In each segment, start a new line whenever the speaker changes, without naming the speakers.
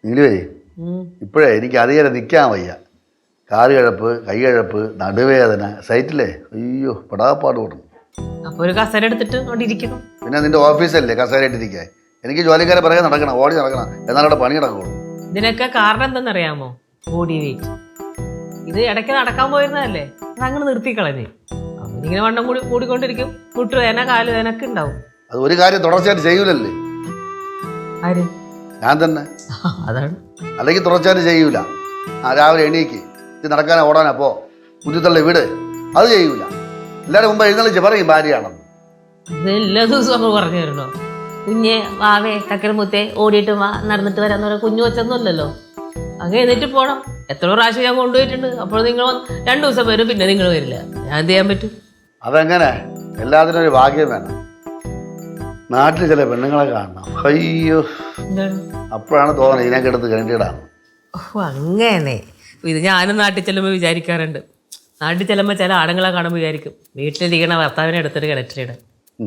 നീലുവേ ഇപ്പോഴേ എനിക്ക് അധികം നിൽക്കാൻ വയ്യ. കാല് കിഴപ്പ്, കൈ കിഴപ്പ്, നടുവേദന, സൈറ്റില്ലേ അയ്യോ പെടാപ്പാട് കൊടുക്കും.
അപ്പൊ ഒരു കസേര എടുത്തിട്ട് അവിടെ ഇരിക്കണം.
പിന്നെ നിന്റെ ഓഫീസല്ലേ കസേരയിട്ടിരിക്കാൻ? എനിക്ക് ജോലിക്കാരെ പിറകെ നടക്കണം, ഓടി നടക്കണം, എന്നാലും അവിടെ പണി നടക്കുള്ളൂ.
ഇതിനൊക്കെ കാരണം എന്തെന്നറിയാമോ? Body weight. ഇത് ഇടയ്ക്ക് നടക്കാൻ പോയിരുന്നതല്ലേ, അതങ്ങനെ നിർത്തിക്കളഞ്ഞ് അവനിങ്ങനെ വണ്ണം കൂടിക്കൊണ്ടിരിക്കും. മുട്ടുവേദന, കാലുവേദനൊക്കെ ഉണ്ടാവും.
അത് ഒരു കാര്യം തുടർച്ചയായിട്ട് ചെയ്യൂലല്ലേ?
ആര്?
ഞാൻ തന്നെ.
അതാണ്.
അല്ലെങ്കിൽ തുടർച്ചയായിട്ട് ചെയ്യൂല. രാവിലെ എണീക്ക്, ഇത് നടക്കാനോ ഓടാനോ പോ, കുഞ്ഞുത്തള്ള വീട്, അത് ചെയ്യൂല. എല്ലാവരും മുമ്പ് എഴുന്നള്ളിച്ച് പറയും ഭാര്യയാണെന്ന്.
ഇത് എല്ലാ ദിവസവും അങ്ങ് പറഞ്ഞു തരണോ? കുഞ്ഞെ വാവേ കക്കരമുത്തേ ഓടിയിട്ട് വാ, നടന്നിട്ട് വരാന്ന് പറയാൻ കുഞ്ഞു വെച്ചൊന്നുമല്ലല്ലോ. അങ്ങ് എന്നിട്ട് പോണം. എത്ര പ്രാവശ്യം ഞാൻ കൊണ്ടുപോയിട്ടുണ്ട്. അപ്പോൾ നിങ്ങൾ 2 ദിവസം വരും, പിന്നെ നിങ്ങൾ വരില്ല. ഞാൻ എന്ത് ചെയ്യാൻ പറ്റും?
അതെങ്ങനെ? എല്ലാത്തിനും ഒരു ഭാഗ്യം വേണം. നാട്ടിൽ ചില പെണ്ണുങ്ങളെ കാണണം, അയ്യോ അപ്പോഴാണ് തോന്നുന്നത് ഇതിനൊക്കെ എടുത്ത് കണ്ടിടാണ്.
ഓ അങ്ങനെ. ഇത് ഞാനും നാട്ടിൽ ചെല്ലുമ്പോൾ വിചാരിക്കാറുണ്ട്. നാട്ടിൽ ചെല്ലുമ്പോൾ ചില ആണുങ്ങളെ കാണുമ്പോൾ വിചാരിക്കും വീട്ടിലിരിക്കണ ഭർത്താവിനെ എടുത്തിട്ട് കിണറ്റിലിടാൻ.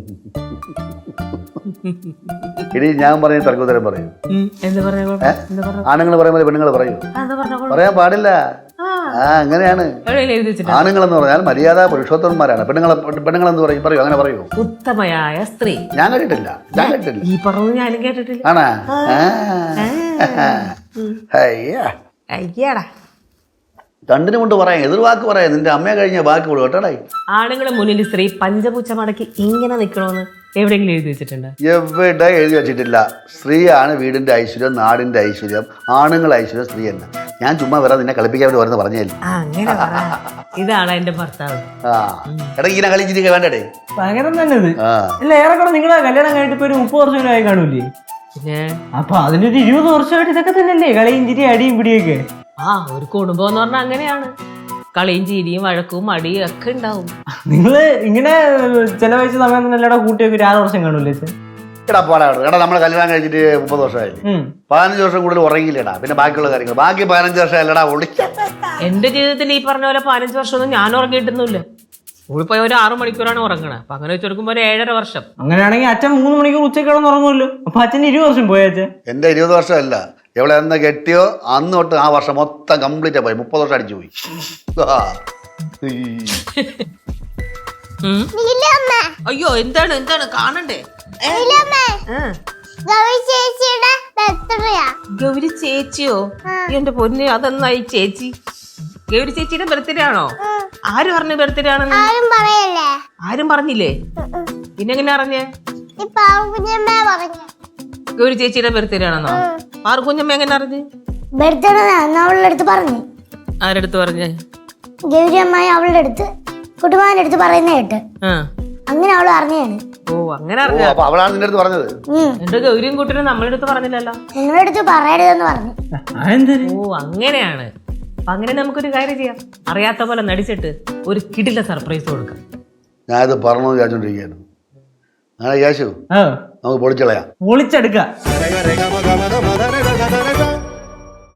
ഇനി ഞാൻ പറഞ്ഞ തർക്കോത്തരം പറയും. ആണുങ്ങൾ പറയുമ്പോൾ പെണ്ണുങ്ങൾ പറയൂ? പറയാൻ പാടില്ല. അങ്ങനെയാണ്. ആണുങ്ങളെന്ന് പറഞ്ഞാൽ മര്യാദ പുരുഷോത്തമന്മാരാണ്. പെണ്ണുങ്ങളെന്ന് പറയും, പറയൂ, അങ്ങനെ പറയൂ.
ഉത്തമയായ സ്ത്രീ. ഞാൻ
കേട്ടിട്ടില്ല.
ഈ പറഞ്ഞു ഞാനും കേട്ടിട്ടില്ല.
ആണാ?
അയ്യാടാ,
രണ്ടിനും കൊണ്ട് പറയാം, എതിർവാക്ക് പറയാം. നിന്റെ അമ്മയെ കഴിഞ്ഞ ബാക്കി കൊടു കേട്ടോടായി.
ആണുങ്ങളെ മുന്നിൽ സ്ത്രീ പഞ്ചപൂച്ച മടക്കി ഇങ്ങനെ നിൽക്കണമെന്ന് എവിടെയെങ്കിലും എഴുതി വെച്ചിട്ടുണ്ട്?
എവിടെ എഴുതി വെച്ചിട്ടില്ല. സ്ത്രീയാണ് വീടിന്റെ ഐശ്വര്യം, നാടിന്റെ ഐശ്വര്യം. ആണുങ്ങൾ ഐശ്വര്യം സ്ത്രീ തന്നെ. ഞാൻ ചുമ്മാ വരാതെ നിന്നെ കളിപ്പിക്കാൻ വേണ്ടി വരുന്ന പറഞ്ഞില്ല.
അങ്ങനെ ഇതാണ് എന്റെ ഭർത്താവ്.
എടാ ഇങ്ങനെ കളിച്ചിരിക്കുക വേണ്ടേ?
പകരം തന്നെ ഇത്. അല്ല ഏറെക്കുറെ നിങ്ങളെ കല്യാണം കഴിഞ്ഞിട്ട് ഇപ്പൊ ഒരു 30 വർഷം ആയി കാണൂലേ?
പിന്നെ
അപ്പൊ അതിനൊരു 20 വർഷമായിട്ട് ഇതൊക്കെ തന്നെയല്ലേ കളിയും ചിരി അടിയും പിടിയൊക്കെ?
ഒരു കുടുംബം എന്ന് പറഞ്ഞാൽ അങ്ങനെയാണ്. കളിയും ചിരിയും വഴക്കും അടിയും ഒക്കെ ഉണ്ടാവും.
നിങ്ങള് ഇങ്ങനെ ചെലവഴിച്ച സമയം തന്നെ എല്ലാടെ കൂട്ടിയൊക്കെ 6 വർഷം കാണൂല്ലേ?
എടാ എടാ നമ്മൾ കല്യാണം കഴിച്ചിട്ട് 30 വർഷമായില്ലേ? 15 വർഷം കൂടുതൽ ഉറങ്ങിയില്ലടാ. പിന്നെ ബാക്കിയുള്ള കാര്യങ്ങൾ ബാക്കി 15 വർഷം അല്ലടാ ഒളിച്ച.
എന്റെ ജീവിതത്തിൽ ഈ പറഞ്ഞ പോലെ 15 വർഷമൊന്നും ഞാൻ ഉറങ്ങിയിട്ടൊന്നുമില്ല. സ്കൂളിൽ പോയ ഒരു 6 മണിക്കൂറാണ് ഉറങ്ങണത്. അപ്പൊ അങ്ങനെ വെച്ചെടുക്കുമ്പോ ഒരു 7.5 വർഷം. അങ്ങനെയാണെങ്കിൽ
അച്ഛൻ 3 മണിക്കൂർ ഉച്ചയ്ക്ക് കിടന്ന് ഉറങ്ങുമല്ലോ. അപ്പൊ അച്ഛൻ 20 വർഷം പോയച്ഛൻ.
എന്റെ 20 വർഷമല്ല, എവിടെ എന്ന് കെട്ടിയോ അന്ന് തൊട്ട് ആ വർഷം മൊത്തം കംപ്ലീറ്റ് പോയി. 30 വർഷം അടിച്ചു പോയി.
അയ്യോ എന്താണ് എന്താണ് കാണണ്ടേ? ഗൗരി ചേച്ചിയോ? എന്റെ പൊന്ന്, അതെന്നായി ചേച്ചി? ഗൗരി ചേച്ചിയുടെ ബർത്ത്ഡേ ആണോ? ആര് പറഞ്ഞു ബർത്ത്ഡേ ആണെന്ന്? ആരും പറഞ്ഞില്ലേ? പിന്നെ എങ്ങനെ അറിഞ്ഞേ? ഗൗരി ചേച്ചിയുടെ ബർത്ത്ഡേ ആണെന്നോ? പാർക്കുഞ്ഞമ്മ എങ്ങനെ അറിഞ്ഞ്?
അവളുടെ അടുത്ത് പറഞ്ഞു.
ആരെടുത്ത് പറഞ്ഞേ?
ഗൗരി അമ്മായി അവളുടെ അടുത്ത് കുട്ടുമാന്റെ അടുത്ത് പറയുന്ന കേട്ട് അങ്ങനെ അവള് അറിഞ്ഞാണ്.
ഓ അങ്ങനെ അറിഞ്ഞ
അവളാണ് നിന്റെ അടുത്ത് പറഞ്ഞത്.
എന്റെ ഗൗരിയും കൂട്ടിനും നമ്മളുടെ അടുത്ത് പറഞ്ഞില്ലല്ലോ.
നിങ്ങളുടെ അടുത്ത് പറയരുതെന്ന് പറഞ്ഞു.
ഓ അങ്ങനെയാണ്. അപ്പൊ അങ്ങനെ നമുക്കൊരു കാര്യം ചെയ്യാം. അറിയാത്ത പോലെ നടിച്ചിട്ട് ഒരു കിടില സർപ്രൈസ് കൊടുക്കാം.
ഞാനിത് പറഞ്ഞു വിചാരിച്ചോണ്ടിരിക്കുകയായിരുന്നു. അങ്ങനെ യേശു നമുക്ക് പൊളിച്ചളയാം.
പൊളിച്ചെടുക്കാം.